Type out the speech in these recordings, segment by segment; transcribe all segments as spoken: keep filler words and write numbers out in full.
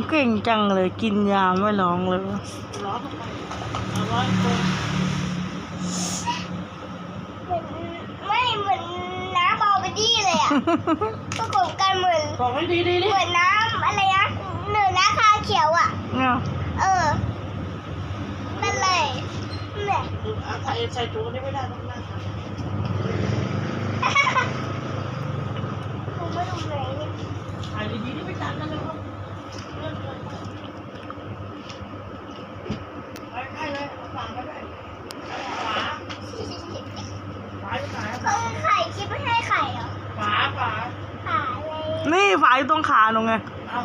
เก่งจังเลยกินยาไม่ร้องเลยร้อนทำไมเอาร้อนคนเหมือนไม่เหมือนน้ำบอลไปดี้เลยอ่ะ ประกบกันเหมือนบอกให้ดีดีดิเหมือนน้ำอะไรนะเหนือน้ำคาเขียวอ่ะเนี่ยเออนั่นเลยเนี่ยอาใส่ใส่ถุงนี้ไม่ได้ต้องนั่งค่ะผมไม่รู้ไหนเนี่ยถ่ายดีๆนี่ไม่จัดกันเลยครับเลื่อนเลยไปใกล้เลยเอาฝั่งไปเลยขวาขวาอยู่ไหนเขาไข่คิดไม่ให้ไข่เหรอขวาขวาขาเลยนี่ฝายตรงขาหนูไงเอา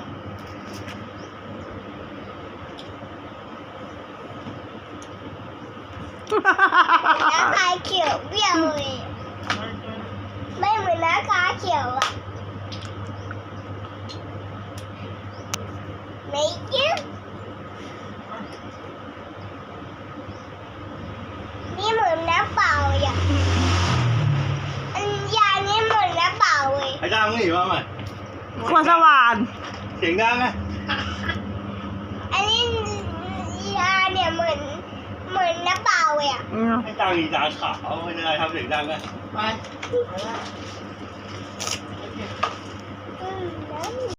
น้ำคาเขียวเบี้ยวเลยไม่เหมือนน้ำคาเขียวอ่ะไม่ยิ้มนี่เหมือนน้ำเปล่าอ่ะอันยานี่เหมือนน้ำเปล่าเลยไอ้จ้างมึงหนีมาใหม่ขวดสว่านเสียงดังไงอันนี้ยาเนี่ยเหมือนเหมือนน้ำเปล่าเลยอ่ะอืมไอ้จ้างมีตาขาวไม่ได้ทำเสียงดังไงไปไปแล้วอืม